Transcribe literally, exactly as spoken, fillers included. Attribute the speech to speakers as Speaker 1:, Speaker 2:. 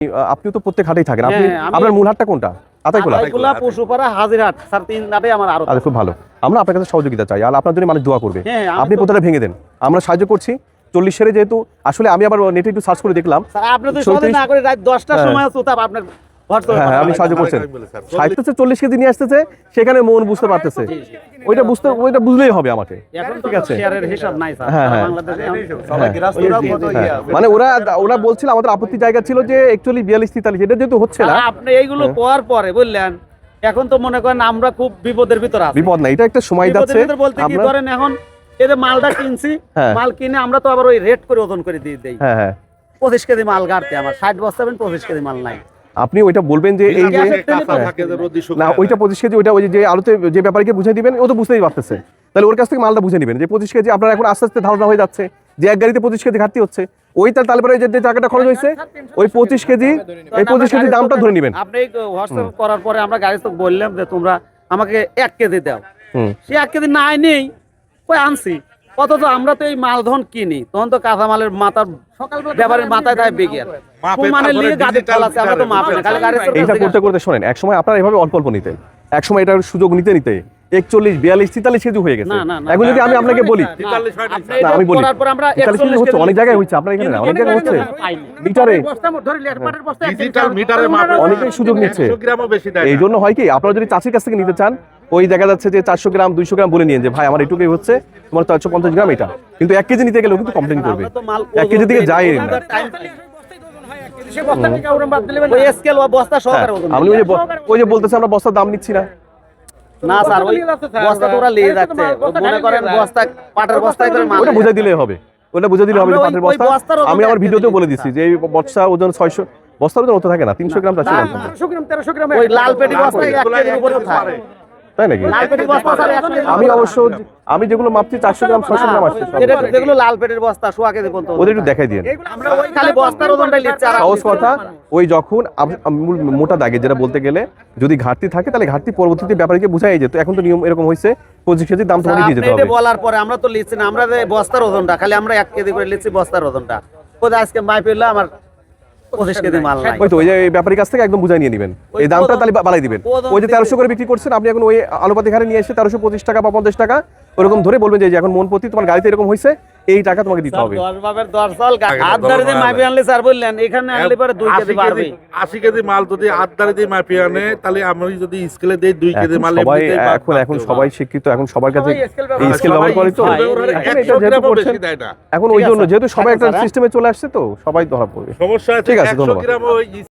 Speaker 1: আপনিও তো প্রত্যেক হাটেই থাকেন, আপনি আপনার মূল হাটটা কোনটা? আতাইকুলা।
Speaker 2: আতাইকুলা পশুপাড়া হাজিরহাট স্যার, তিন হাটে আমার আরো।
Speaker 1: আচ্ছা, খুব ভালো। আমরা আপনার কাছে সহযোগিতা চাই, আর আপনার জন্য মানুষ দোয়া করবে। আপনি প্রতিটা ভেঙে দেন, আমরা সাহায্য করছি। চল্লিশ সেরে যেহেতু আসলে আমি আবার নেটে একটু সার্চ করে দেখলাম,
Speaker 2: আপনি তো সহজে না করে রাত দশটার সময় সুতাপ আপনার
Speaker 1: হ্যাঁ আপনি সাহায্য করছেন। সাহিত্যে চল্লিশ কেজি নিয়ে আসতেছে, সেখানে মন বুঝতে পারতেছে, ওইটা বুঝতে ওইটা বুঝলেই হবে আমাকে। ঠিক আছে, হ্যাঁ হ্যাঁ মানে ওরা ওরা বলছিল আমাদের আপত্তি জায়গা ছিল যে একচুয়ালি বিয়াল্লিশ তেতাল্লিশ, এটা যেহেতু হচ্ছে না।
Speaker 2: আপনি এইগুলো পাওয়ার পরে বললেন, এখন তো মনে করেন আমরা খুব বিপদের ভিতরে আছি।
Speaker 1: বিপদ না, এটা একটা সময় যাচ্ছে।
Speaker 2: বলতে কি ধরেন এখন এই যে মালটা কিনছি, মাল কিনে আমরা তো আবার ওই রেট করে ওজন করে দিয়ে দেই। হ্যাঁ হ্যাঁ পঁচিশ কেজি মাল গাড়তে আমার ষাট বস্তা পঁচিশ কেজি মাল নাই।
Speaker 1: আপনি ওইটা বলবেন যে এই যে না ওইটা পঁচিশ কেজি, ওইটা ওই যে আলুতে যে ব্যাপারীকে বুঝিয়ে দিবেন, ও তো বুঝতেই পারতেছে, তাহলে ওর কাছ থেকে মালটা বুঝে নেবেন যে পঁচিশ কেজি আপনার এখন আস্তে আস্তে ধারণা হয়ে যাচ্ছে যে এক গাড়িতে পঁচিশ কেজি ঘাটতি হচ্ছে। ওই তারপরে যে টাকাটা খরচ হয়েছে ওই পঁচিশ কেজি, এই পঁচিশ কেজি দামটা ধরে নেবেন।
Speaker 2: আপনি হোয়াটসঅ্যাপ করার পরে আমরা গাড়ি তো বললাম যে তোমরা আমাকে এক কেজি দাও, সে এক কেজি নাই নেই ওই আনছি। অথচ আমরা তো এই মালধন কিনি, তখন তো কাঁচা মালের মাথার ব্যাপারের মাথায় দেয় বিজ্ঞান
Speaker 1: এইটা করতে করতে শোনেন, এক সময় আপনারা এভাবে অল্প অল্প নিতেন, এক সময় এটার সুযোগ নিতে নিতে একচল্লিশ বিয়াল্লিশ তেতাল্লিশ কেজি হয়ে গেছে। এখন যদি আমি আপনাকে বলি, আমি বলি তেতাল্লিশ কেজি হচ্ছে, অনেক জায়গায় হচ্ছে, আপনার এখানে অনেক জায়গায় হচ্ছে মিটারে অনেকেই সুযোগ নিচ্ছে। এই জন্য হয় কি, আপনারা যদি চাষির কাছ থেকে নিতে চান, ওই দেখা যাচ্ছে যে চারশো গ্রাম দুইশো গ্রাম বলে নিয়ে যে ভাই আমার এটুকুই হচ্ছে, তোমার চারশো পঞ্চাশ গ্রাম এটা, কিন্তু এক কেজি নিতে গেলেও কিন্তু কমপ্লেন করবে, এক কেজি দিকে যায় না। আমি ওই যে বলতেছে আমরা বস্তার দাম নিচ্ছি না।
Speaker 2: না স্যার, ওই বস্তা তো ওরা নিয়ে যাচ্ছে, মনে করেন বস্তা পাটের বস্তায় করে মাল,
Speaker 1: ওটা বুঝাই দিলেই হবে, ওটা বুঝাই দিলে হবে পাটের বস্তা। আমি আমার ভিডিওতেও বলে দিচ্ছি যে এই বস্তা ওজন ছয়শো, বস্তার ওজন অত থাকে না, তিনশো গ্রাম চারশো গ্রাম
Speaker 2: তেরোশো গ্রাম ওই লাল পেটি বস্তা এক কেজির উপরে থাকে,
Speaker 1: তাই নাকি? আমি অবশ্য আমি যেগুলো মাপছি চারশো গ্রাম ছয়শো গ্রাম আসছে,
Speaker 2: যেগুলো লাল পেটের বস্তা সোয়া কেজি পর্যন্ত,
Speaker 1: ওদের একটু দেখাই দিন।
Speaker 2: খালি বস্তার ওজনটাই লিখছে।
Speaker 1: সহজ কথা, ওই যখন মোটা দাগে যেটা বলতে গেলে যদি ঘাটতি থাকে, তাহলে ঘাটতি পরবর্তীতে ব্যাপারীকে বুঝাই যেত। এখন তো নিয়ম এরকম হয়েছে পঁচিশ কেজির দাম তোমাকে দিয়ে যেতে হবে।
Speaker 2: বলার পরে আমরা তো লিখছি না, আমরা যে বস্তার ওজনটা খালি আমরা এক কেজি করে লিখছি বস্তার ওজনটা, কোথায় আজকে মাই পেলে আমার পঁচিশ কেজি মাল নাই।
Speaker 1: ওই তো ওই যে ব্যাপারীর কাছ থেকে একদম বুঝাই নিয়ে নেবেন, এই দামটা তাহলে বাড়াই দিবেন। ওই যে তেরোশো করে বিক্রি করছেন আপনি, এখন ওই আলুপাতি ঘাড়ে নিয়ে এসে তেরোশো পঁচিশ টাকা বা পঞ্চাশ টাকা ওরকম ধরে বলবেন যে এখন মন প্রতি তোমার গাড়িতে এরকম হয়েছে, এই টাকা তোমাকে দিতে হবে।
Speaker 3: আশি কেজি মাল যদি আটদারি দিয়ে মাপি আনে, তাহলে আমি যদি স্কেলে দেই দুই কেজি মাল,
Speaker 1: সবাই এখন এখন সবাই শিক্ষিত, এখন সবার কাছে এই স্কেল ব্যবহার করে, তো এখন ওই জন্য যেহেতু সবাই একটা সিস্টেমে চলে আসছে, তো সবাই ধরা পড়বে।
Speaker 3: সমস্যা।
Speaker 1: ঠিক আছে, ধন্যবাদ।